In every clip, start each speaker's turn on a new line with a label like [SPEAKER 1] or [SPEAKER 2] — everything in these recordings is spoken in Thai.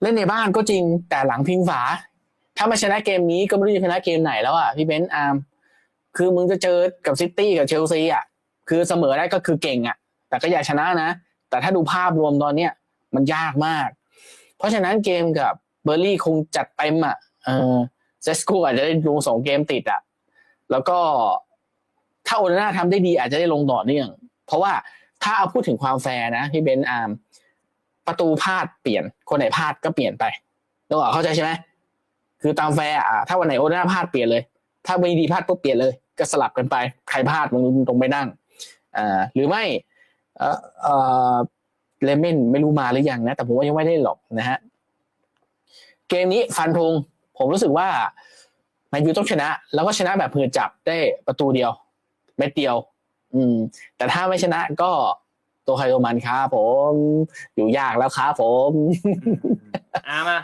[SPEAKER 1] เล่นในบ้านก็จริงแต่หลังพิงฝาถ้ามาชนะเกมนี้ก็ไม่รู้จะชนะเกมไหนแล้วอ่ะพี่เบนซ์อาร์มคือมึงจะเจอกับซิตี้กับเชลซีอ่ะคือเสมอได้ก็คือเก่งอ่ะแต่ก็อยากชนะนะแต่ถ้าดูภาพรวมตอนเนี้ยมันยากมากเพราะฉะนั้นเกมกับเบอร์ลี่คงจัดเต็มอ่ะเซสโกอาจจะได้ลง2 เกมติดอ่ะแล้วก็ถ้าโอนาน่าทำได้ดีอาจจะได้ลงต่อเนื่องเพราะว่าถ้าเอาพูดถึงความแฟร์นะพี่เบนซ์อาร์มประตูพลาดเปลี่ยนคนไหนพลาดก็เปลี่ยนไปนึกออกเข้าใจใช่ไหมคือตามแฟร์ถ้าวันไหนโอนาน่าพลาดเปลี่ยนเลยถ้าไม่ดีพลาดปุ๊บเปลี่ยนเลยก็สลับกันไปใครพลาดมึงตรงไปนั่งหรือไม่เลเมนไม่รู้มาหรือยังนะแต่ผมว่ายังไม่ได้หรอกนะฮะเกมนี้ฟันธงผมรู้สึกว่าแมนยูต้องชนะแล้วก็ชนะแบบเผื่อจับได้ประตูเดียวเม็ดเดียวแต่ถ้าไม่ชนะก็ตัวใครตัวมันครับผมอยู่ยากแล้วครับผม
[SPEAKER 2] มา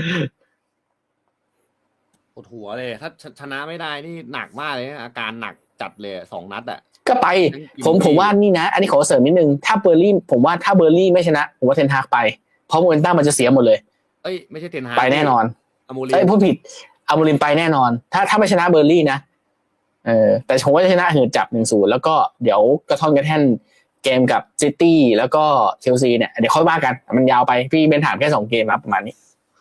[SPEAKER 3] ปวดหัวเลยถ้าชนะไม่ได้นี่หนักมากเลยอาการหนักจัดเลย2 นัดอ่ะ
[SPEAKER 1] ก็ไปผมว่านี่นะอันนี้ขอเสริมนิดนึงถ้าเบอร์ลี่ผมว่าถ้าเบอร์ลี่ไม่ชนะผมว่าเทนฮากไปเพราะโมเมนตัมมันจะเสียหมดเลย
[SPEAKER 3] ไม่ใช่เทนฮาก
[SPEAKER 1] ไปแน่นอน
[SPEAKER 3] อโมริม
[SPEAKER 1] พูดผิดอโมริมไปแน่นอนถ้าไม่ชนะเบอร์ลี่นะแต่ผมว่าจะชนะหืดจับ 1-0 แล้วก็เดี๋ยวกระท่อนกระแท่นเกมกับซิตี้แล้วก็เชลซีเนี่ยเดี๋ยวค่อยว่ากันมันยาวไปพี่เป็นถามแค่2 เกมครับประมาณนี้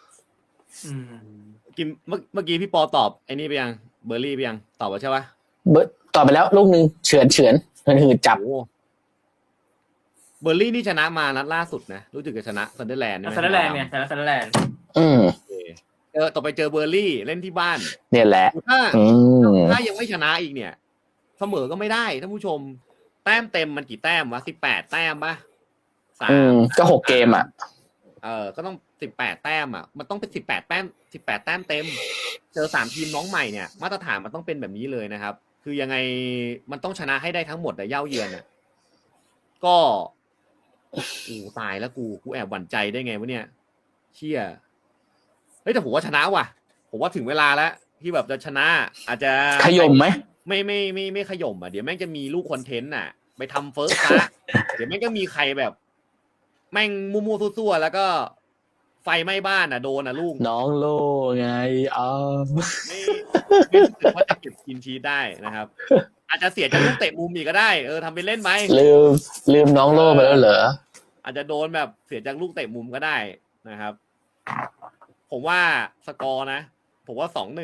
[SPEAKER 3] กินเมื่อกี้พี่ปอตอบไอ้นี่ไปยังเบอร์รี่ไปยังตอบว่าใช่ปะ
[SPEAKER 1] ตอบไปแล้วลูกนึงเฉือนหืดจับ
[SPEAKER 3] เบอร์รี่นี่ชนะมานัดล่าสุดนะรู้สึกจะชนะซันเดอร์แลนด์
[SPEAKER 2] ซันเดอร์แลนด์เนี่ยชนะซันเดอร์แลนด์
[SPEAKER 3] ต่อไปเจอเบอร์ลี่เล่นที่บ้าน
[SPEAKER 1] เนี่ยแหละ
[SPEAKER 3] ถ้ายังไม่ชนะอีกเนี่ยเสมอก็ไม่ได้ท่านผู้ชมแต้มเต็มมันกี่แต้มวะ18 แต้มปะ
[SPEAKER 1] ก็6 เกมอ่ะ
[SPEAKER 3] ก็ต้อง18 แต้มอ่ะมันต้องเป็น18 แต้ม18 แต้มเต็มเจอ3 ทีมน้องใหม่เนี่ยมาตรฐานมันต้องเป็นแบบนี้เลยนะครับคือยังไงมันต้องชนะให้ได้ทั้งหมดแต่เย้าเยือนอ่ะก็ตายแล้วกูแอบหวั่นใจได้ไงวะเนี่ยเชี่ยแต่ผมว่าชนะว่ะผมว่าถึงเวลาแล้วที่แบบจะชนะอาจจะ
[SPEAKER 1] ขย่มไหม
[SPEAKER 3] ไม่ขย่มอ่ะเดี๋ยวแม่งจะมีลูกคอนเทนต์ไปทำเฟิร์สคลาสเดี๋ยวแม่งก็มีใครแบบแม่งมั่วๆซั่วๆแล้วก็ไฟไหม้บ้านโดนลูก
[SPEAKER 1] น้องโลไง
[SPEAKER 3] ไม่รู้สึกว่าจะเก็บกินชีสได้นะครับ อาจจะเสียจากลูกเตะมุมอีกก็ได้ทำไปเล่นไหม
[SPEAKER 1] ลืมน้องโลไปแล้วเหรอ
[SPEAKER 3] อาจจะโดนแบบเสียจากลูกเตะมุมก็ได้นะครับผมว่าสกอร์นะผมว่า 2-1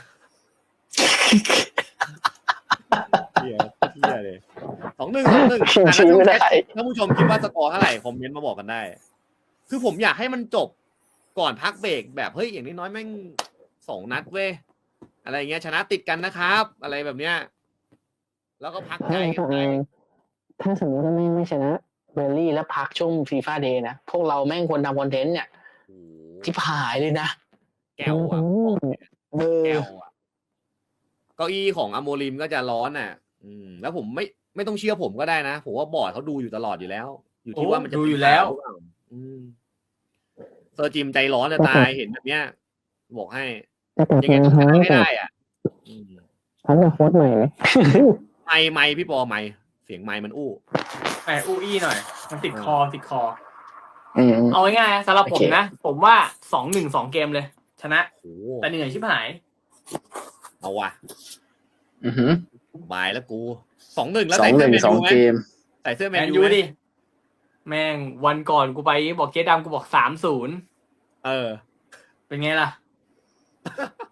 [SPEAKER 3] เหี้ยเลย2-1ถ้าผู้ชมคิดว่าสกอร์เท่าไหร่คอมเมนต์มาบอกกันได้คือผมอยากให้มันจบก่อนพักเบรกแบบเฮ้ยอย่างน้อยแม่ง2 นัดเว้ยอะไรเงี้ยชนะติดกันนะครับอะไรแบบเนี้ยแล้วก็พักใจกันไป
[SPEAKER 1] ถ้าสมมติว่าไม่ชนะเบอร์ลี่แล้วพักช่วงฟีฟ่าเดย์นะพวกเราแม่งควรทำคอนเทนต์เนี่ยที่หายเลยนะ
[SPEAKER 3] แก้วอ่ะแก้วอ่ะเก้าอี้ของอโมริมก็จะร้อนแล้วผมไม่ต้องเชื่อผมก็ได้นะผมว่าบอร์ดเขาดูอยู่ตลอดอยู่แล้วอยู่ที่ว่ามันจะ
[SPEAKER 2] ดูอยู่แล้ว
[SPEAKER 3] เซอร์จิมใจร้อนจะตายเห็นแบบเนี้ยบอกให้ยังไงต้องชนะให้ได้
[SPEAKER 1] เขาจะโค้ชใหม่ไหม
[SPEAKER 3] ไม่พี่ปอไม่เสียงไม่มันอู้
[SPEAKER 2] อี้หน่อยมันติดคอเอาง่ายๆสำหรับผมนะผมว่า 2-1 2 เกมเลยชนะแต่เหนื่อยชิบหาย
[SPEAKER 3] เอาว่ะบายแล้วกู 2-1 แล้ว
[SPEAKER 1] 2-1 2 เกม
[SPEAKER 3] ใส่เสื้อแมน
[SPEAKER 2] ยูดิแม่งวันก่อนกูไปบอกเจ๊ดำกูบอก 3-0เป็นไงล่ะ